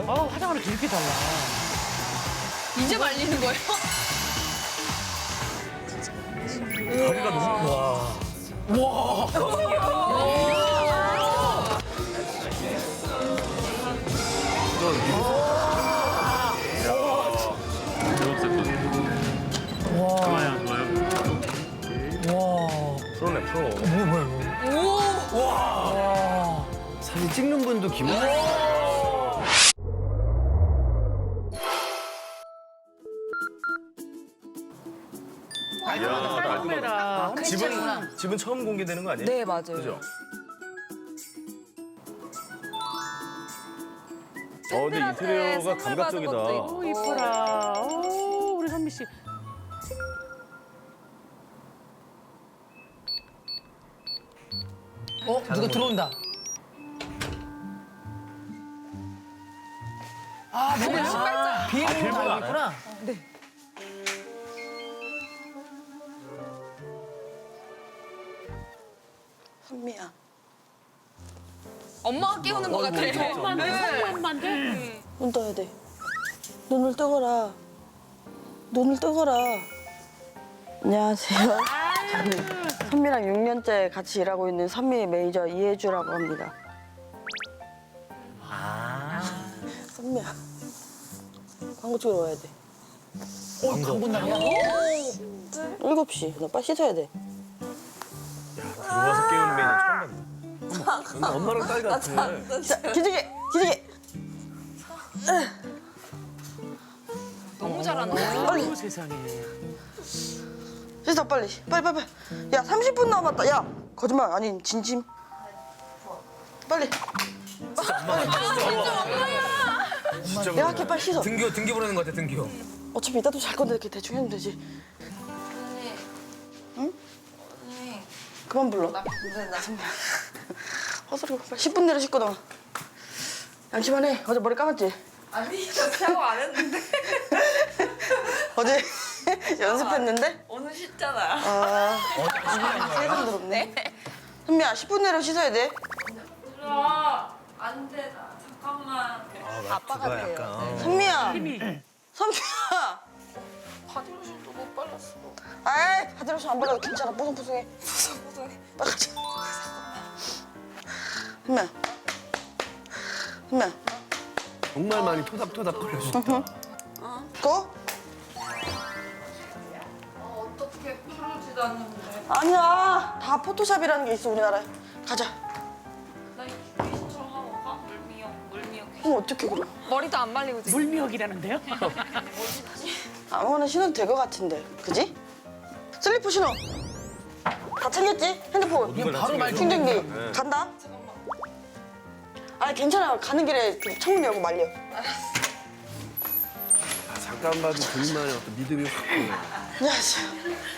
화장하는 게 이렇게 달라. 이제 말리는 거예요? 다리가 너무 와. 좋아요, 좋아요. 프로네 프로. 사진 찍는 분도 기분. 카메라. 집은 처음 공개되는 거 아니에요? 네, 맞아요. 그죠? 근데 인테리어가 감각적이다. 오, 이뻐라. 오, 우리 선미 씨. 누가 들어온다. 아, 뭐야? 비행기로 알고 있구나. 선미야. 엄마가 깨우는 것 같아. 엄마인데? 눈 떠야 돼. 눈을 뜨거라. 눈을 뜨거라. 안녕하세요. 저는 선미랑 6년째 같이 일하고 있는 선미의 매니저 이혜주라고 합니다. 선미야. 광고 찍으러 와야 돼. 광고 날이야? 7시. 나 빨리 씻어야 돼. 들어와서 깨우는 메뉴 처음 봤네. 엄마랑 딸 같아. 자, 기지개! 기지개! 너무 잘하는 빨리! 오, 세상에. 씻어, 빨리. 빨리, 빨리, 빨리. 야, 30분 남았다. 야! 거짓말 아닌 진심. 빨리. 진짜 내가 할게, 빨리 씻어. 등교 보내는 것 같아, 등교. 어차피 이따도 잘 건데 이렇게 대충 해면 되지. 언니. 응? 언니. 그만 불러. 근데 나 헛소리고 빨리 10분 내로 씻고 나와. 양심하네. 어제 머리 감았지? 아니, 저 샤워 안 했는데. 어제 연습했는데? 오늘 씻잖아. 아, 세금 들었네. 선미야, 10분 내로 씻어야 돼. 들어. 안 돼, 나. 잠깐만. 아빠가 그거야, 돼요. 약간. 선미야, 힘이. 선미야. 바디로션도 못 발랐어. 아이, 바디로션 안 발라도 괜찮아. 뽀송뽀송해. 뽀송뽀송해. 빨리 가자. 선미야. 선미야, 정말 많이 토닥토닥 거려준다. 거? 어떻게 풀어지도 않는데. 아니야. 다 포토샵이라는 게 있어, 우리나라에. 가자. 나 귀신처럼 하고 가? 물미역. 그럼 어떡해, 그럼. 머리도 안 말리고 지금. 물미역이라는데요? 아무거나 신어도 될 것 같은데. 그지? 슬리퍼 신어. 다 챙겼지? 핸드폰. 이거 바로 말 충전기. 간다. 아니, 괜찮아. 가는 길에 그 창문 열고 말려. 잠깐 봐도 본인만의 어떤 믿음이 확 보여. 안녕하세요.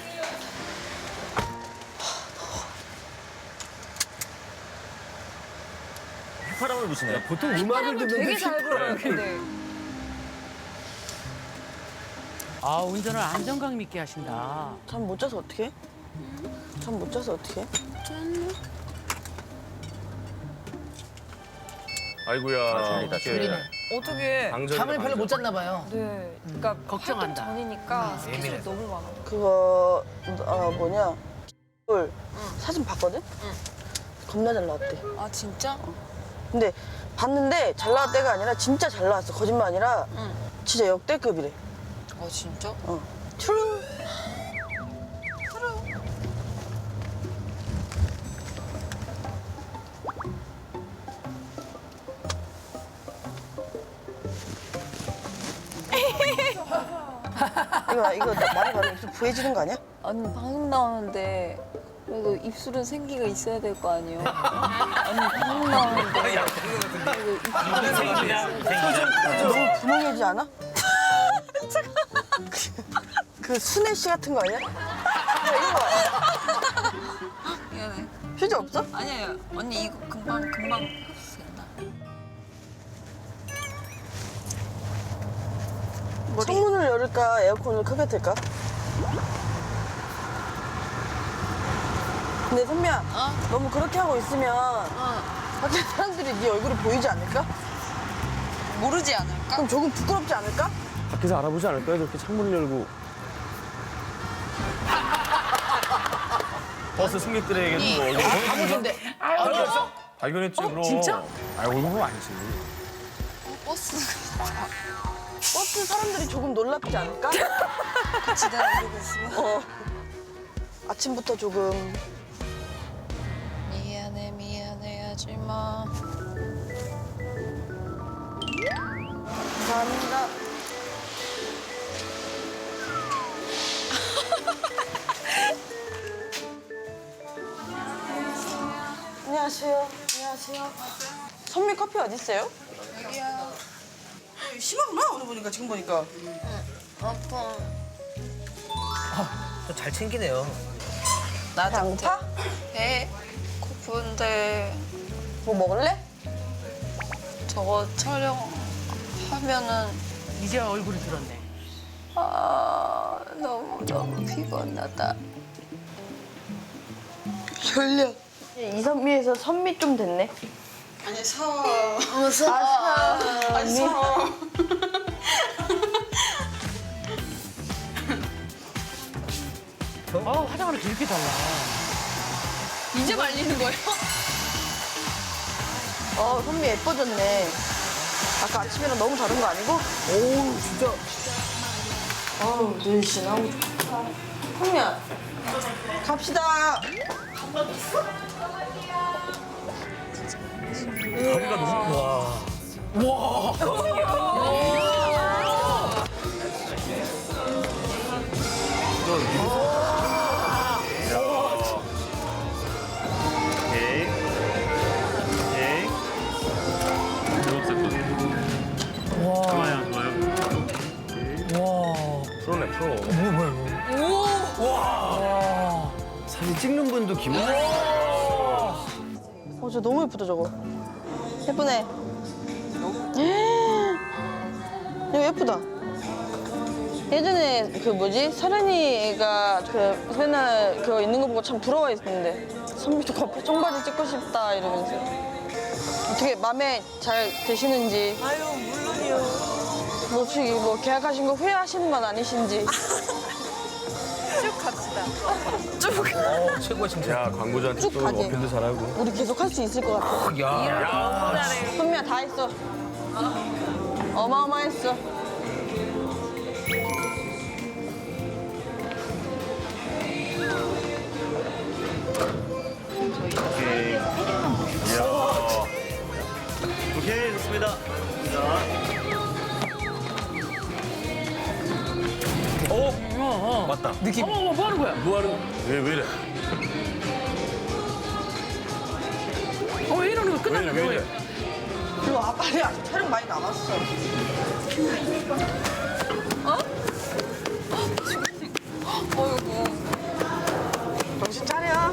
휘파람을 부시네. 보통 음악을 듣는데 되게 잘 불어요, 근데. 아, 운전을 안정감 있게 하신다. 잠 못 자서 어떡해? 잠 못 자서 어떡해? 아이고야. 졸리네. 어떻게. 잠을 별로 못 잤나 봐요. 네. 그러니까 걱정한다. 활동 전이니까 스케줄이 예민해서. 너무 많아. 그거 뭐냐? 사진 봤거든? 겁나 잘 나왔대. 아, 진짜? 근데 봤는데 잘 나왔 때가 아니라 진짜 잘 나왔어. 거짓말 아니라 진짜 역대급이래. 아, 진짜? 추릉. 이거 말이 많으면 입술 부해지는 거 아니야? 아니 방송 나오는데 그래도 입술은 생기가 있어야 될 거 아니에요. 아니 방송 나오는데 그래도 입술은 너무 분홍해지지 않아? 그 순애 씨 같은 거 아니야? 야, 이거 봐. 미안해. 휴지 없어? 아니에요. 언니 이거 금방 흡수된다. 창문을 열을까 에어컨을 크게 틀까? 근데 선미야, 너무 그렇게 하고 있으면 밖에 사람들이 네 얼굴이 보이지 않을까? 모르지 않을까? 그럼 조금 부끄럽지 않을까? 밖에서 알아보지 않을까요? 저렇게 창문을 열고. 버스 승객들에게도 뭐 가보던데. 발견했지 그럼. 진짜? 아 얼굴은 아니지. 버스 버스 사람들이 조금 놀랍지 않을까? 같이 다니고 있으면. 아침부터 조금. 미안해 하지마. 감사합니다. 안녕하세요. 안녕하세요. 선미 커피 어디 있어요? 여기야. 심하구나 오늘 보니까 지금 보니까. 아파. 잘 챙기네요. 나 배고파? 배 고픈데 뭐 먹을래? 저거 촬영하면은 이제 얼굴이 들었네. 너무 피곤하다. 졸려. 이선미에서 선미 좀 됐네. 아니 서. 아니 서. 화장을 이렇게 달라. 이제 말리는 거예요? 선미 예뻐졌네. 아까 아침이랑 너무 다른 거 아니고? 오 진짜. 아우 눈씨 너무 좋다. 선미야 갑시다. 다리가 너무. 와. 오케이. 오케이. 초록색 거. 좋아요, 좋아요. 프로네 프로. 사진 찍는 분도 기분. 저 너무 예쁘다 저거. 예쁘네. 이거 예쁘다. 예전에 그 뭐지 서른이가 그 맨날 그거 있는 거 보고 참 부러워했는데 선미도 커피 청바지 찍고 싶다 이러면서 어떻게 마음에 잘 드시는지. 아유 물론이요. 뭐 혹시 뭐 계약하신 거 후회하시는 건 아니신지. 쭉 갑시다. 최고의 칭찬. 야 광고주한테 쭉 또 가게. 어필도 잘하고. 우리 계속 할 수 있을 것 같아. 야. 선미야 다 했어. 어마어마했어. 오케이. 이야. 오케이, 좋습니다. 자. 맞다. 느낌. 어머, 뭐 하는 거야? 뭐하는? 왜 이래? 왜 이러는 거야? 왜 끝났나? 이래? 왜 이래? 그리고 빨리 아직 촬영 많이 남았어. 어이구. 정신 차려.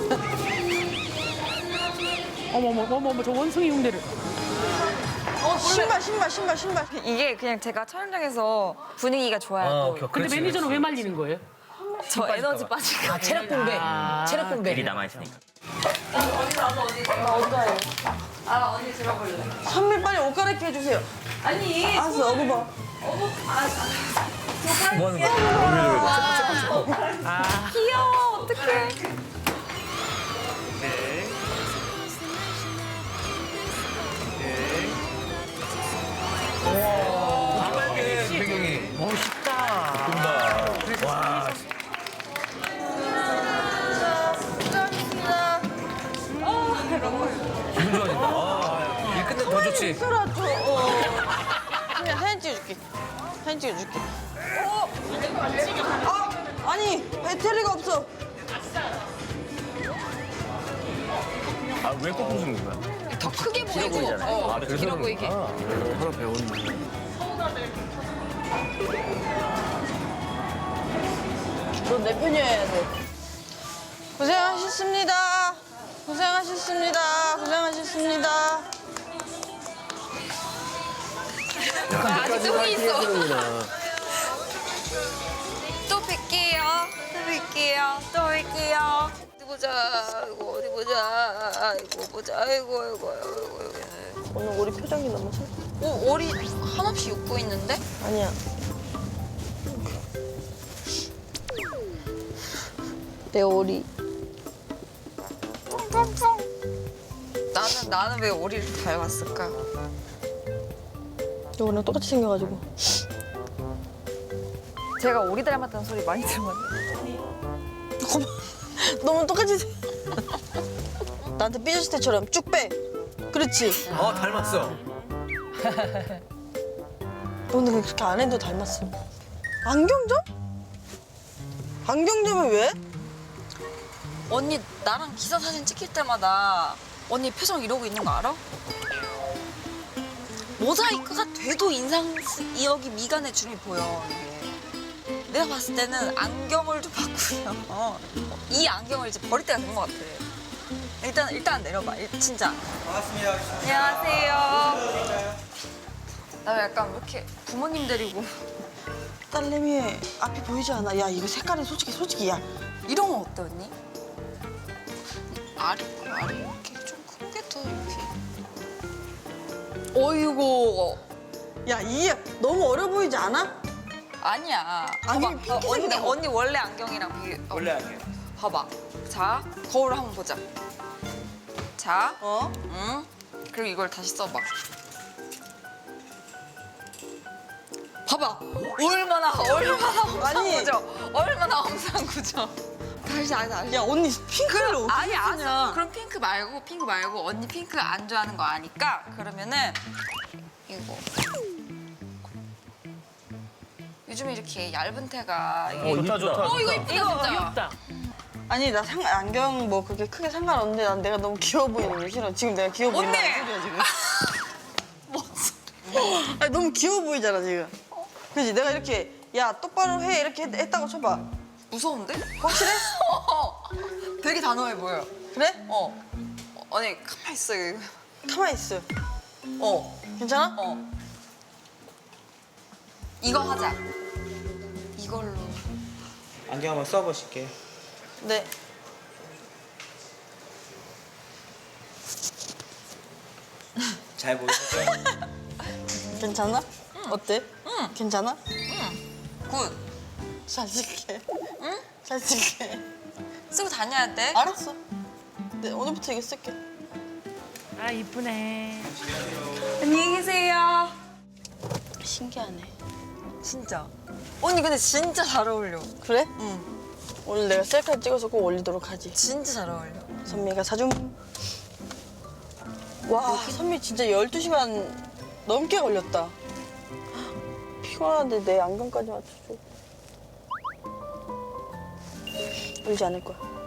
어머, 저 원숭이 흉내를. 신발. 이게 그냥 제가 촬영장에서 분위기가 좋아요. 또. 근데 매니저는 왜 말리는 거예요? 저 에너지 빠질까 봐. 체력 분배. 체력 분배. 남아있으니까. 언니 들어볼래. 선미 빨리 옷 갈아입게 해주세요. 아니. 알았어, 어구 봐. 뭐 하는 거야? 귀여워. 어떡해. 오케이. 오케이. 빨개 배경이. 멋있다. 기분 좋아진다. 일 끝내면 더 좋지. 있어라, 좀. 선미야, 사진 찍어줄게. 사진 찍어줄게. 아니, 배터리가 없어. 아왜 꼭 부수는 거야? 더 크게 보이고. 길어 보이게. 하나 배웠네. 넌 내 편이어야 돼. 고생하셨습니다. 고생하셨습니다. 고생하셨습니다. 아직 저기 있어. 하는구나. 또 뵐게요. 또 뵐게요. 어디 보자. 어디 보자. 아이고 보자. 아이고. 오늘 우리 표정이 너무 슬. 오리 한없이 웃고 있는데? 아니야. 내 오리. 나는 왜 오리를 닮았을까? 너 오늘 똑같이 생겨가지고. 제가 오리 닮았다는 소리 많이 들었는데. 너무 똑같이 생. 나한테 삐졌을 때처럼 쭉 빼. 그렇지. 닮았어. 너 근데 그렇게 안 해도 닮았어. 안경점? 안경점은 왜? 언니 나랑 기사 사진 찍힐 때마다 언니 표정 이러고 있는 거 알아? 모자이크가 돼도 여기 미간에 주름이 보여 이게. 내가 봤을 때는 안경을 좀 바꾸면 이 안경을 이제 버릴 때가 된 것 같아. 일단 내려봐. 진짜. 반갑습니다. 안녕하세요. 나 약간 왜 이렇게 부모님 데리고 딸내미 앞이 보이지 않아? 야 이거 색깔이 솔직히 야. 이런 건 어때 언니? 아래 이렇게 좀 크게 더 이렇게. 어이구. 야 이게 너무 어려 보이지 않아? 아니야. 안경이 봐봐. 핑크색이라고. 언니 원래 안경이랑 비교. 원래 아니에요. 봐봐. 자 거울을 한번 보자. 자, 어? 응. 그리고 이걸 다시 써봐. 봐봐. 얼마나 험상궂어. 아니. 얼마나 험상궂어. 다시. 야 언니 핑크를 어떻게 아니 알았어. 쓰냐? 그럼 핑크 말고 언니 핑크 안 좋아하는 거 아니까 그러면은 이거. 요즘에 이렇게 얇은 테가 이게 좋다 좋다. 이거 이쁘다 진짜. 귀엽다. 아니 나 안경 뭐 그렇게 크게 상관없는데 난 내가 너무 귀여워 보이는 게 싫어. 지금 내가 귀여워 보인다는 언니! 소리야 지금. 뭔 소리야. 아니 너무 귀여워 보이잖아 지금. 그지? 내가 이렇게 야 똑바로 해 이렇게 했다고 쳐봐. 무서운데? 확실해? 되게 단호해 보여. 그래? 아니 가만 있어 이거. 가만히 있어. 괜찮아? 이거 하자. 이걸로. 안경 한번 써보실게요. 네. 잘 보이시죠? 괜찮아? 어때? 응. 괜찮아? 굿. 잘 쓸게. 응? 잘 쓸게. 쓰고 다녀야 돼. 알았어. 네, 오늘부터 이거 쓸게. 아 이쁘네. 안녕히 계세요. 신기하네. 진짜. 언니 근데 진짜 잘 어울려. 그래? 응. 오늘 내가 셀카 찍어서 꼭 올리도록 하지. 진짜 잘 어울려. 선미가 사준. 와, 선미 진짜 12시간 넘게 걸렸다. 피곤한데 내 안경까지 맞춰줘. 울지 않을 거야.